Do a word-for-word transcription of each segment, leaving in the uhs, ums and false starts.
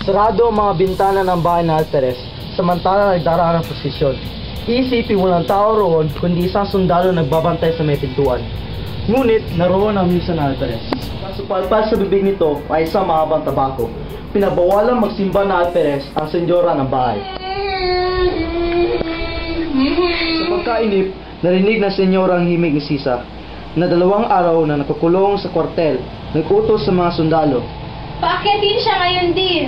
Sarado ang mga bintana ng bahay na Alperes, samantala nagdaraan ang prosesyon. Iisipin walang tao roon, kundi isang sundalo nagbabantay sa may pintuan. Ngunit, naroon ang misa na Alperes. Kasupalpal sa bibig nito ay isang mahabang tabako. Pinabawalang magsimba na Alperes ang senyora ng bahay. Sa pagkainip, narinig ng senyora ang himig ni Sisa, na dalawang araw na nakakulong sa kwartel, nag-utos sa mga sundalo. Paakyatin siya ngayon din.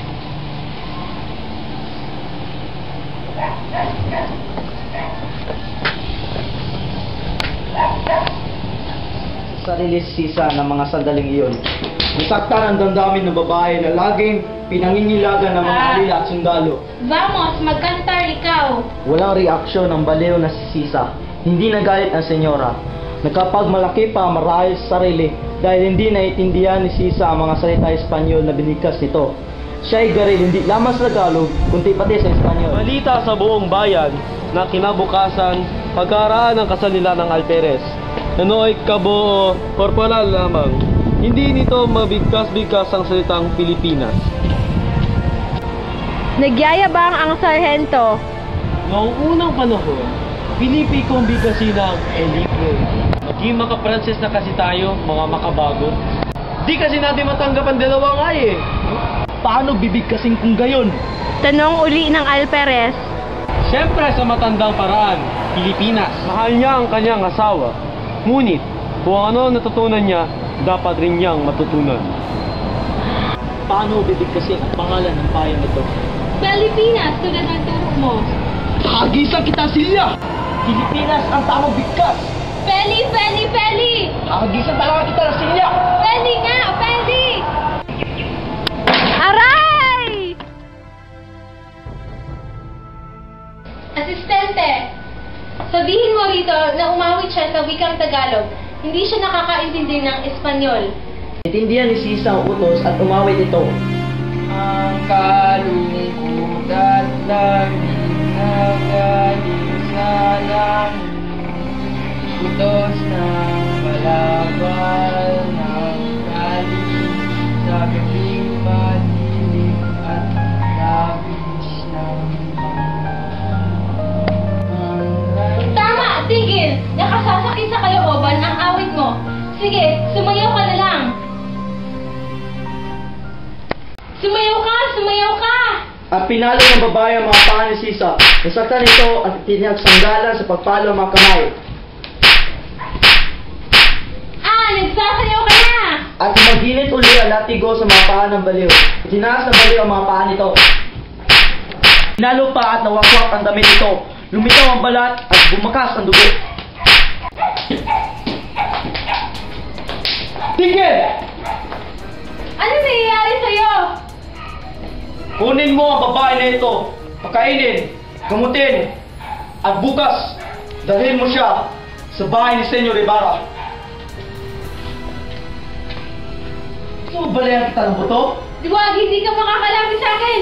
Sa sarili si Sisa ng mga sandaling iyon, nasaktan ang damdamin ng babae na laging pinangingilagan ng mga alila at sundalo. Vamos, magkantar ikaw. Walang reaksyon ng baliw na si Sisa. Hindi nagalit ang senyora. Nagkapagmalaki pa marahil sa sarili dahil hindi naiintindihan ni Sisa ang mga salita Espanyol na binigkas nito. Siya ay garil hindi lamang sa Tagalog, kundi pati sa Espanyol. Balita sa buong bayan na kinabukasan pagkaraan ng kasal nila ng Alperes. Ano ay kabuo, korporal lamang. Hindi nito mabigkas-bigkas ang salitang Pilipinas. Nagyayabang ang sarhento. Noong unang panahon, Pilipi kong bigkasin ang elite. Maging maka-Pranses na kasi tayo, mga makabago. Di kasi natin matanggap ang dalawang ay eh. Paano bibigkasin kung gayon? Tanong uli ng Alperes. Siyempre sa matandang paraan, Pilipinas. Mahal niya ang kanyang asawa. Ngunit, kung ano natutunan niya, dapat rin niyang matutunan. Paano bibigkasin ang pangalan ng bayan nito? Pilipinas, tulad ng turo mo. Hagisan kita, Silya! Pilipinas ang tamang bigkas! Peli, Peli, Peli! Hagisan talaga kita, Silya! Peli nga, Peli! Aray! Asistente, sabihin mo rito na umawit siya sa wikang Tagalog. Hindi siya nakakaintindi ng Espanyol. Itindihan ni Sisa ang utos at umawit ito. Ang kalungkutan lamig na galing sa langit, utos ng balabal ng galing sa gabing madilim at labis ng Tama! Tigil! Nakasasakit sa kalooban ang awit mo. Sige, sumayaw ka na lang. Sumayaw ka! Sumayaw ka! At pinalo ng babae ang mga paa ni Sisa. Nasaktan ito at tinagsanggalan sa pagpalo ang mga kamay. Ah! Nagsasayaw ka na! At maginit uli ang latigo sa mga paa ng baliw. Itinaas ng baliw ang mga paa nito. Pinalo pa at nawakwak ang damit nito. Lumitaw ang balat at bumakas ang dugo. Tigil! Ano nangyayari sa'yo? Kunin mo ang babae na ito, pakainin, gamutin, at bukas, dalhin mo siya sa bahay ni Senyor Ibarra. Gusto mo balayan kita ng buto? Diwag, hindi ka makakalapit sa akin!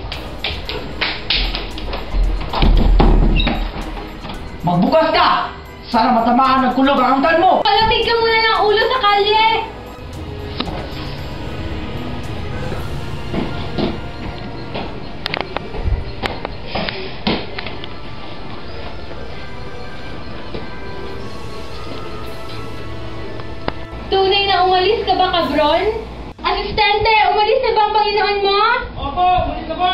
Magbukas ka! Sana matamaan ng kulog ang angkan mo! Palapig ka muna ng ulo sa kalye! Tunay na umalis ka ba, kabron? Asistente, umalis na ba ang Panginoon mo? Opo, umalis na po!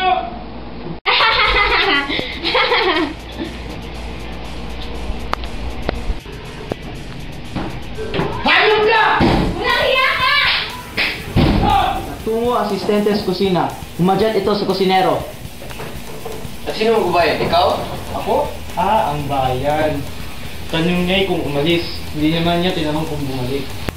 Hayop ka! Walang hiya ka! Tungo ang asistente sa kusina. Humadyan ito sa kusinero. At sino magbabayad? Ikaw? Ako? Ah, ang bayan. Tanong niya kung umalis. Hindi naman niya tinanong kung bumalik.